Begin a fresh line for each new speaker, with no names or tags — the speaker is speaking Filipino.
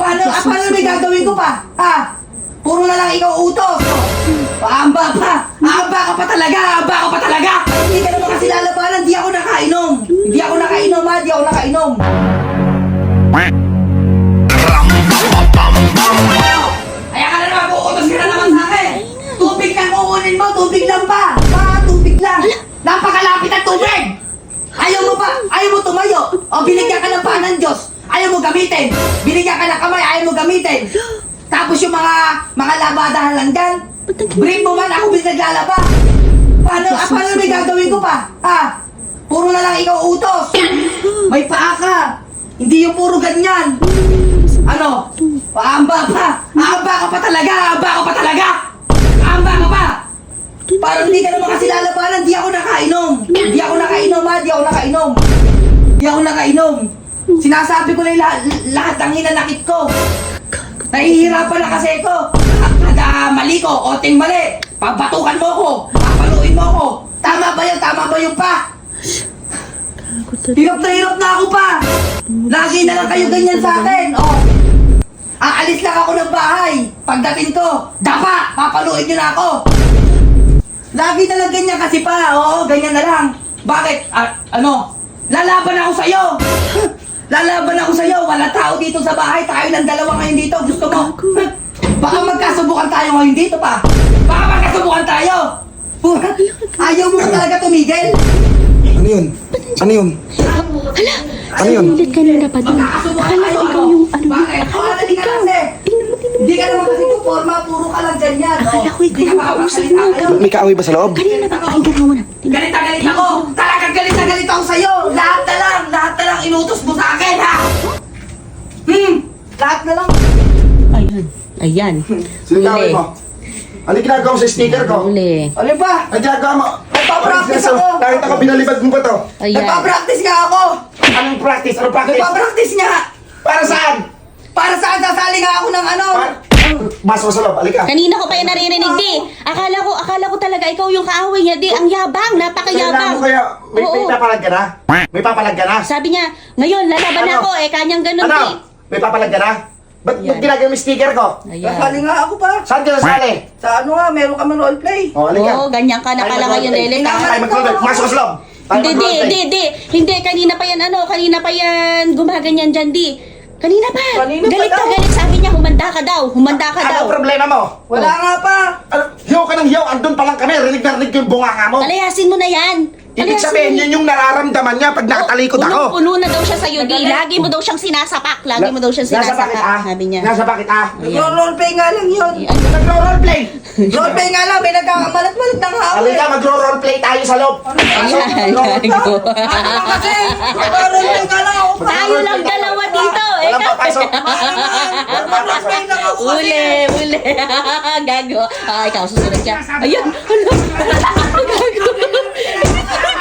Paano may gagawin ko pa? Ha? Puro na lang ikaw utos. Aamba pa. Aamba ka pa talaga. Aamba ka pa talaga. Hindi ka naman kasi lalabanan. Di ako nakainom. Hindi ako nakainom ha. Di ako nakainom. Kaya ka na naman, uutos ka na naman sa akin. Tubig lang kukunin mo. Tubig lang pa. Tubig lang. Napakalapit ang tubig. Ayaw mo pa. Ayaw mo tumayo. O binigyan ka ng paa ng Diyos. Ayaw mo gamitin. Binigyan ka ng kamay. Ayaw mo gamitin. Tapos yung mga labadahan lang dyan. Brief mo man, ako naglalaba. Paano may gagawin ko pa? Ha? Puro na lang ikaw utos. May paa ka. Hindi yung puro ganyan. Ano? Paamba pa. Aamba ka pa talaga. Aamba ka pa talaga. Aamba ka pa. Parang hindi ka naman kasi lalabanan. Di ako nakainom. Di ako nakainom ha. Di ako nakainom. Di ako nakainom. Sinasabi ko na yung lahat ng hinanakit ko. Nahihirapan na kasi ito. Mali ko, oting mali. Pabatukan mo ko. Papaluin mo ko. Tama ba yun? Tama ba yung pa? Hirap na ako pa. Lagi na lang kayo ganyan sa akin. Oh. Aalis lang ako ng bahay. Pagdating ko, dapa, papaluin nyo na ako. Lagi na lang ganyan kasi pa. Oo, ganyan na lang. Bakit? Lalaban ako sa'yo. Lalaban ako sa'yo. Wala tao dito sa bahay. Tayo ng dalawa ngayon dito. Gusto mo? Baka magkasubukan tayo ngayon dito pa. Baka magkasubukan tayo. Ayaw mo talaga tumigil.
Ano yun? Ano yun?
Hala!
Ano yun?
Ulit kanina pa din.
Magkakasubukan
Akala
tayo.
ko ikaw yung ano.
Bakit? Halali ka kasi. Hindi ka naman kasi forma. Puro ka lang ganyan.
Akala ko ikaw
Hindi ka
yung kausap mo.
makakasalita.
May kaaway ba sa loob?
Kanina pa, pakinggan mo muna.
Galit na galit ako! Talagang galit na galit ako sa'yo! Lahat na lang inutos mo sa akin, ha? Lahat na lang.
Ayan. Ayan.
Sino kaaway mo? Ano yung ginagawa mo sa sticker ko?
Huli.
Ano ba?
Ang ginagawa mo?
Nagpa-practice ako.
Nakita ko, binalibad mo ba to?
Ayan.
Nagpa-practice nga ako!
Anong practice? Anong practice?
Nagpa-practice nga!
Para saan?
Para saan sasali nga ako ng ano?
Masok sa loob, alika.
Kanina ko pa yan naririnig, di. Akala ko talaga ikaw yung kaaway niya, di. Ang yabang, napakayabang.
Kaya, may
Oo.
papalag ka na? May papalag ka na?
Sabi niya, ngayon, lalaban
Ano?
ako, kanyang ganun,
Ano?
di.
May papalag ka na? Ba't
Ayan.
ginagawa mo yung sticker ko?
Sasali
Ayan.
nga ako pa.
Saan ka nasali?
Sa ano nga, meron kami roleplay.
O, alika.
Oo, ganyan ka na pala ngayon, Lele.
Tayo mag-roleplay. Masok sa loob. Tayo
Hindi,
mag-roleplay.
hindi, kanina pa yan gumaganyan dyan, di. Kanina pa.
Kanina pa
Galit ka,
daw.
galit. Sabi niya, humanda ka daw. Humanda ka daw.
Ano problema mo?
Wala nga pa.
Hiyaw ka ng hiyaw. Andun pa lang kami. Rinig na rinig yung bunganga mo.
Palayasin mo na yan.
Ibig sabihin, yun yung nararamdaman niya pag nakatalikod ako.
Puno na daw siya sa'yo, di. Lagi mo daw siyang sinasapak. Lagi mo daw siyang
Nasa bakit
sinasapak. Sabi niya.
Nasa bakit
Nagro-roleplay nga lang yun.
Nagro-roleplay.
Roleplay nga lang, may nagkakamalat-malat na nga ako.
Halika, magro-roleplay tayo sa loob.
Ayan, gago.
Ano ba kasi? Nagro-roleplay nga lang ako.
Tayo lang dalawa dito.
Walang papasok.
Nagro-roleplay lang ako kasi.
Uli. Gago. Ikaw, susunod ka. Ayan. Gago.